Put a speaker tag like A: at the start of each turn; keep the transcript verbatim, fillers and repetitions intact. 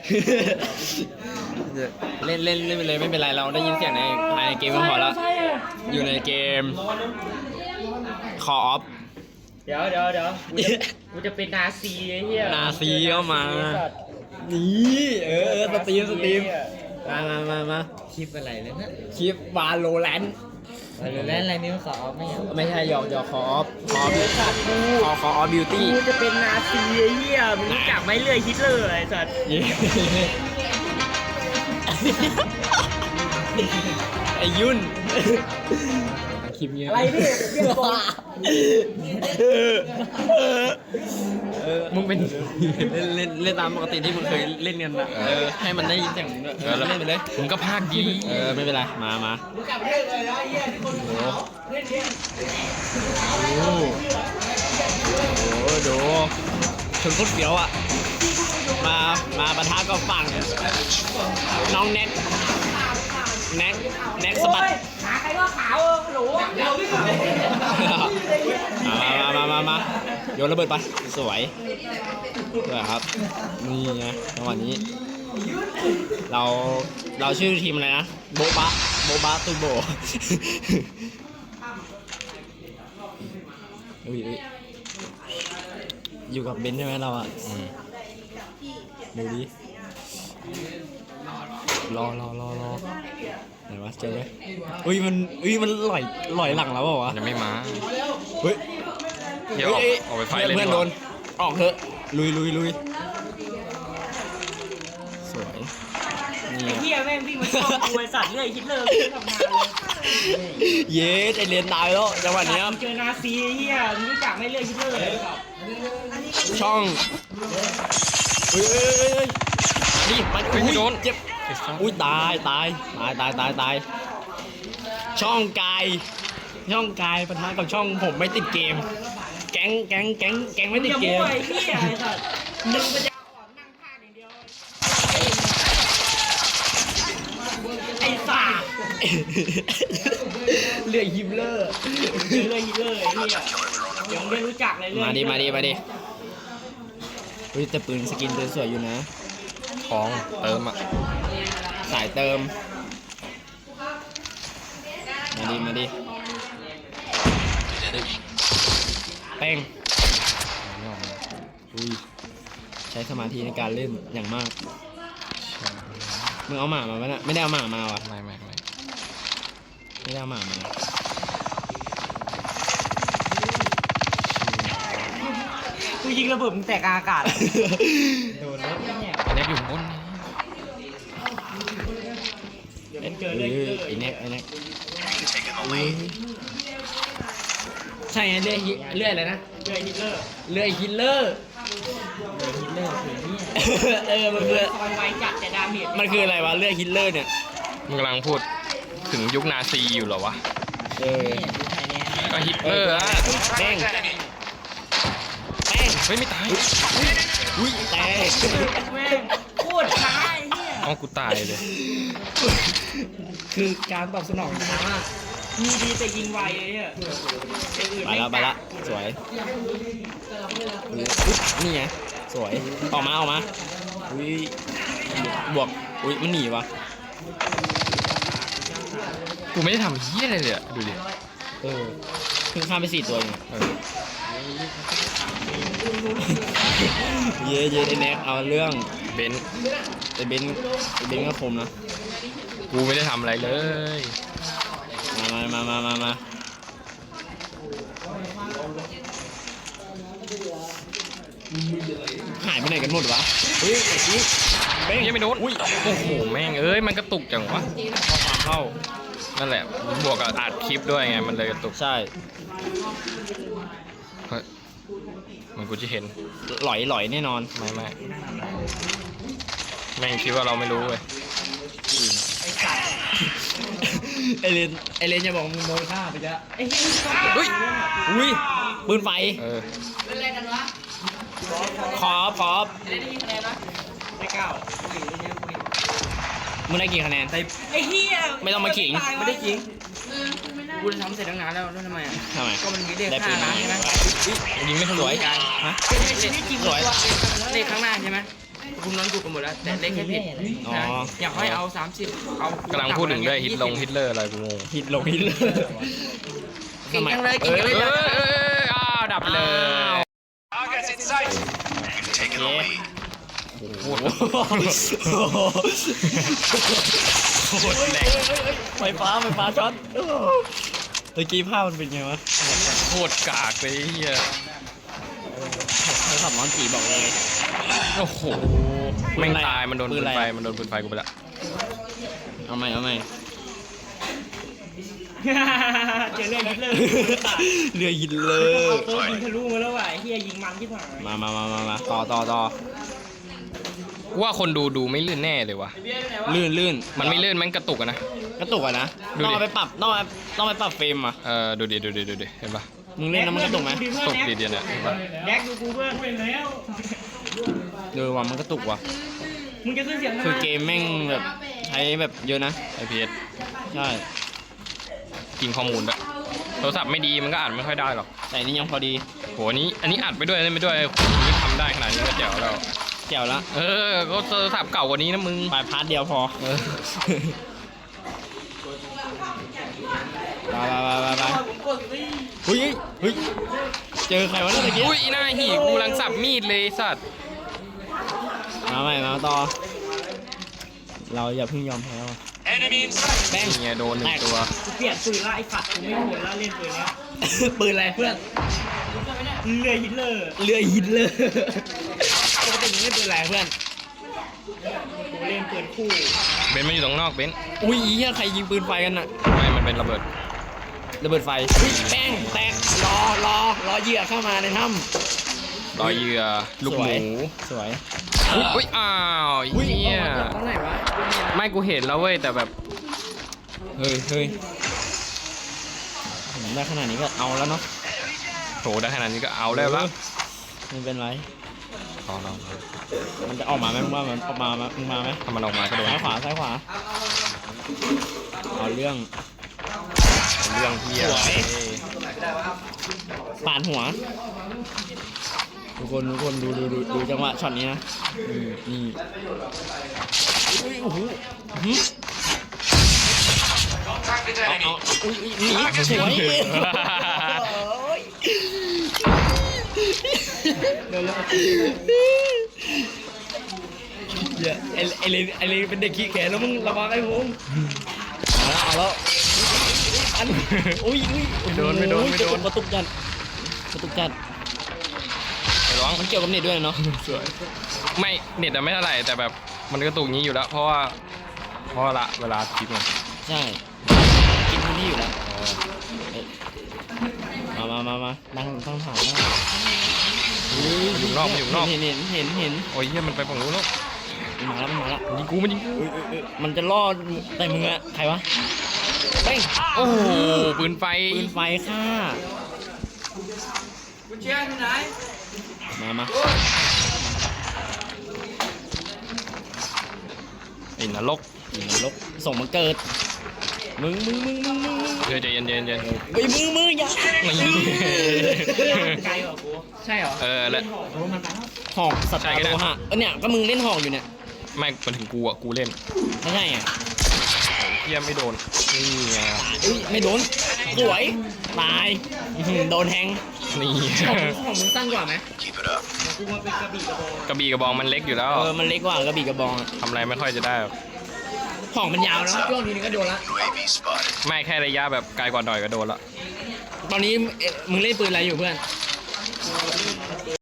A: เล่นเล่นเล่นไปเลยไม่เป็นไรเราได้ยินเสียงในภายในเกมก็พอแล้วอยู่ในเกม Call of
B: เดี๋ยวเดี๋ยวเดี๋ยวกูจะเป็นนาซีไอ้เหี้ย
A: นาซีเข้ามานี่เออเออสตรีมสตรีมมามามามา
B: คลิปอะไรเลยนะ
A: คลิปวาโลแรนต์
B: แล้วอะไรนิ้วขอไม่เอา
A: ไม่ใช่หยอกหยอกคออฟคออฟคอคออฟบิวตี้
B: กูจะเป็นนาซีไอ้เหี้ยมึงรู้จักไหมเลื่อยฮิตเลอร์ไอ้สัตว์
A: ไอ้ยุ่นคลิปเงี้ย
B: อะไรพี่เรียกตัว
A: มึงเป็นเล่นเล่นเล่นตามปกติที่มึงเคยเล่นกันนะเออให้มันได้ยินเสียงมึงด้วยเออเล่นไปเลยมึงก็พากดีเออไม่เป็นไรมามาโอ้โหโอ้โหดูชนโคตรเสียวอ่ะมามาปะทะกับฝั่งน้องแน็กแน็กแน็กสะบัด
B: ขาใครก็ขาวหนูเดี๋ยวพี่
A: มามามามาโยนระเบิดไปสวยสวยครับนี่ไงจังหวะนี้เราเราชื่อทีมอะไรนะโบบะโบบะตุโบอุ้ยอยู่กับเบนใช่ไหมเราอ่ะดูดิรอรอรอรอไหนวะเจอไหมอุ้ยมันอุ้ยมันหล่อยหล่อยหลังแล้วเปล่าวะ
C: ยังไม่มา
A: เฮ้ย
C: เดี๋ยวออกออกไปไฟเลย
A: เพื่อนโดนออกเถอะลุยลุยลุยสวยนี่
B: ไอ้เหี้ยแม่งวิ่งมาชอบกูไอ้สัตว์เลื่อยฮิตเลอร์ทำงานเลย
A: เย้ไอเรียนตายแล้วจังหวะนี้
B: เจอนาซีไอ้เหี้ยมึงรู้จักไหมเลื่อยฮิตเลอร์เลยครับ
A: ช่องเฮ้ยเฮ้ยเฮ้ยดิมันอุ้ยเจ็บอุ้ยตายตายตายตายตายตายช่องกายช่องกายปะทะกับช่องผมไม่ติดเกมแก๊งแก๊งแก๊งแก๊งไม่ติดเกม
B: ไอ้เหี้ยไอ้สัตว์มึงปัญญาอ่อนนั่งพากอย่างเดียวไอ้สัตว์
A: เรื่องฮิมเลอร์
B: เลื่อยฮิตเลอร์ไอ้เหี้ยเดี๋ยวมึงได้รู้จักเลยเลื่อย
A: มาดิมาดิมาดิเฮ้ยแต่ปืนสกินสวยอยู่นะ
C: ท้องเติมอ่ะ
A: สายเติมมาดิมาดิแป้งอุ้ยใช้สมาธิในการเล่นอย่างมากมึงเอาหมามาไหมนะไม่ได้เอาหมามาว่ะ
C: ไม่ไม่ไม่
A: ไม่ได้เอาหมามา
B: กูยิงระเบิดมึงแตกกลางอากาศโดนรถเนี่ย
C: อันนี้อยู่บนนี่
B: เดี๋ยวมึงเจอ
A: เอ
B: เลื่อยฮิต
A: อ
B: เลอร์
A: ไอ้เน็กไอ้เน็กใช่ไงเลื่อยฮิเลื่อยอะไรนะ
B: เลื่อยฮิตเลอร์
A: เลื่อยฮิตเลอร์
B: เลื่อยฮิตเลอร์คือเนี่ย
A: เออมันคือ
B: ซอยไวจัดแต่ดาเมจ
A: มันคืออะไรวะเลื่อยฮิตเลอร์เนี่ย
C: มึงกำลังพูดถึงยุคนาซีอยู่เหรอวะ
A: เออ
C: ก็ฮิตเลอร์อะ
A: แป้งแป้ง
C: เฮ้ยไม่ตาย
A: อุ้ยแตก
B: แม่งโคตรช้าไอ้เหี้ย
C: เอากูตายเลย
A: คือการตอบสนองช้า
B: มีดีแต่ยิงไวเลยเนี่ยไอ้อื่น
A: ไป
B: ม่
A: แล้วไปแล้วสวยอุ๊ยนี่ไงสวยออกมาออกมาอุ้ยบวกอุ้ยมันหนีวะ
C: กูไม่ได้ทำเฮี้ยอะไรเลยอะดูดิ
A: เออเพิ่งข้ามไปสี่ตัวเองอะ
C: เออ
A: เย่เย่ไอแน็กเอาเรื่อง
C: เบนซ์
A: ไอเบนซ์ไอเบนซ์ก็คมนะ
C: กูไม่ได้ทำอะไรเลย
A: มามามามามาหายไปไหนกันหมดวะเฮ้ยไอ้ชี้เบ้ง
C: ยังไม่โดน
A: อุ้ย
C: โอ้โหแม่งเอ้ยมันกระตุกจังวะ
A: เข้า
C: นั่นแหละบวกกับอัดคลิปด้วยไงมันเลยกระตุก
A: ใช่
C: เฮ้ยมันกูจะเห็น
A: หลอยหลอยแน่นอน
C: ไม่ไม่แม่งคิดว่าเราไม่รู้เว้ย
A: ไอเลนไอเลนอย่าบอกมึงโดนฆ่าไปจ้ะ
B: ไอ้เหี้ย
C: เฮ้ย
A: อุ้ยปืนไฟ
C: เออ
A: ขอบขอบ
B: ไม่เก้า
A: มึงได้กี่คะแนน
B: ไอ้เหี้ย
A: ไม่ต้องมาขิง
B: ไม่ได้ขิงกูจะทำเสร็จตั้งนานแล้วแล้วทำไมอ่ะ
A: ทำไม
B: ก็มันมีเลข
A: ได้ปื
B: ห้าน
A: มา
B: ล้านใช่ไหม
A: ยิงไม่ทะลุฮะ
B: ในชีวิตจริง
A: สวย
B: เลขข้างหน้าใช่ไหมคุณนั้นกูกันหมดแล้วแต่เล่นแค่ผิด
A: อ๋อ
B: อยากให้เอาสามสิบเอา
C: กำลังพูดถึงด้วยฮิตลงฮิตเลอร์อะไรกูงง
A: ฮิตลงฮิตเลย
B: เก่งจังเลยเก่งจัง
C: เอ้
B: เลย ย
C: เอ้ยเอ้ยอ้าวดับเลย
D: Targets in sight. You've taken the lead.
C: โคตร
A: โคตรแรงไฟฟ้าไฟฟ้าช็อตเมื่อกี้ภาพมันเป็นไงวะ
C: โคตรกากเลยเฮีย
A: โทรศัพท์น้องจีบอกเลย
C: โอ้โหแม่งตายมันโดนปืนไฟมันโดนปืนไฟกูไปละ
A: เอาใหม่เอาใหม่
B: เจอเรื่องฮิตเลอร์
A: เรือหินเลย
B: เอาปืนยิงทะลุมาแล้วว่ะเฮียยิงมันที่ผ่าน
A: มามามามามาต่อต่อต่อ
C: กูว่าคนดูดูไม่ลื่นแน่เลยวะ
A: ลื่นลื่น
C: มันไม่ลื่นมันกระตุกอะนะ
A: กระตุกอะนะ
C: ดูดิ
A: ต้องเอาไปปรับต้องเอาต้องไปปรับเฟรมอ่ะ
C: เออดูดิดูดิดูดิเห็นปะ
A: มึงเล่นแล้วมันกระตุกไหม
C: ตกดีเดียวเนี่ยเห็นปะ
B: แดกดูกูเพื่อนเป็นแล้ว
A: เออว่ะมันกระตุกว่ะ
B: มึงจะขึ้นเสียงทำไม
A: คือเกมแม่งแบบใช้แบบเยอะนะ
C: ไอพีเอส
A: ใช่
C: กินข้อมูลด้วยโทรศัพท์ไม่ดีมันก็อ่านไม่ค่อยได้หรอก
A: แต่อันนี่ยังพอดี
C: โหอันนี้อันนี้อัดไปด้วยเล่นไปด้วยนี่ทำได้ขนาดนี้ก็แจ๋วแล้ว
A: แจ๋วละ
C: เออก็โทรศัพท์เก่ากว่านี้นะมึง
A: ไปพาร์ทเดียวพอ
C: เออ
A: ไปไปไปไปเฮ้ยเฮ้ยเจอใครวะเนี่ยเมื่อกี้
C: อุ้ยอีหน้าหีกูกำลังสับมีดเลยไอ้สัตว์
A: มาใหม่มาต่อ เราอย่าเพิ่งยอมแพ้ว่ะ
D: Enemy in sight.
A: แป้ง
C: นี่ไงโดนหนึ่งตัว
B: กูเปลี่ยนปืนละไอ้สัตว์กูไม่โหดละเล่นปืนแล้ว
A: ปืนอะไรเพื่อน
B: เรือฮิตเลอร์
A: เรือหินเลยปกติมึงเล่นปืนอะไรเพื่อน
B: กูเล่นปืนคู่
C: เบนซ์มันอยู่ตรงนอกเบนซ์
A: อุ้ยอีเหี้ยใครยิงปืนไฟกันน่ะ
C: ไม่มันเป็นระเบิด
A: ระเบิดไฟอุ๊ยแป้งแตกรอรอรอเหยื่อเข้ามาในถ้
C: รอยเหยื่อ
A: ำ
C: ลูก
A: ส
C: ห
A: วย
C: มู
A: สวย
C: อุ๊ยอุ้ยอ้าวเฮีย
B: ตรงไหนวะ
C: ไม่กูเห็นแล้วเว้ยแต่แบบ
A: เฮ้ยเฮ้ยผมได้ขนาดนี้ก็เอาแล้วเนาะ
C: โถได้ขนาดนี้ก็เอาแล้วละ
A: ไม่เป็นไร
C: รอรอรอ
A: มันจะออกมาไหมมึงว่ามันออกมาไหมมึงมาไหม
C: ถ้ามันออกมาก็โดน
A: ซ้ายขวาซ้ายขวาเอาเรื่อง
C: เรื่องเฮีย
A: สวย ปาดหัวทุกคนทุกคนดูดูดูดูจังหวะช็อตนี้นะนี่นี่อุ้ยโอ้โหหึเอาเอาอุ้ยอุ้ยหนีสวยเดี๋ยวไอไอเลนไอเลนเป็นเด็กขี้แก่แล้วมึงระวังไอ้ผมเอาแล้วเอาแล้วอันอุ้ยอุ้ย
C: ไม่โดนไม่โดนไม่โดน
A: กระตุกจัดกระตุกจัด
C: ไอ้ร้อง
A: มันเกี่ยวกับเน็ตด้วยเนาะ
C: สวยไม่เน็ตอะไม่เท่าไหร่แต่แบบมันก็ตุกงี้อยู่แล้ว เพราะว่าเพราะว่าละเวลาคลิปไง
A: ใช่กินพื้นที่อยู่แล้วเอ้ยมามามามานั่งตั้งถ่ายนั่ง
C: อยู่นอกมันอยู่นอก
A: เห็นเห็นเห็นเห็น
C: โอ้ยเฮียมันไปฝั่งนู้นแล้ว
A: มันมาแล้วมันมาแล้ว
C: ยิงกูมันยิงกู
A: เอ้ยเอ้ยเอ้ยมันจะล่อแต่มึงอะใครวะเป้ง
C: โอ้โหปืนไฟ
A: ปืนไฟค่ะ
B: กูเชียร์ที่ไหน
A: มามา
C: ไอ้นรก
A: อีนรกส่งมาเกิดมึงมึงมึงมึงมึงมึง
C: เดี๋ยวใจเย็นเย็นเย็น
A: เฮ้ยมึงมึงอย่า
B: ไกลกว่ากูใช่เหรอ
C: เออแล้ว
B: โอ้มันไปแล้ว
A: หอกสตาร์โลหะเออเนี่ยก็มึงเล่นหอกอยู่เนี่ย
C: ไม่มันถึงกูอ่ะกูเล่น
A: ไม่ใช่ไง
C: เฮียไม่โดนนี่ไง
A: เอ้ยไม่โดนสวยตายอื้อหือโดนแทง
C: นี่
B: ของมึงสั้นกว่าไหม
D: Keep it up.
B: กูมาเป็นกระบี่กระโปรง
C: กระบี่กระบองมันเล็กอยู่แล้ว
A: เออมันเล็กกว่ากระบี่กระบองอะ
C: ทำอะไรไม่ค่อยจะได้หรอก
A: หอกมันยาวนะช่วงนี้ก็โดนละ
D: U A V spotted.
C: ไม่แค่ระยะแบบไกลกว่าหน่อยก็โดนละ
A: ตอนนี้เอ๊ะมึงเล่นปืนอะไรอยู่เพื่อน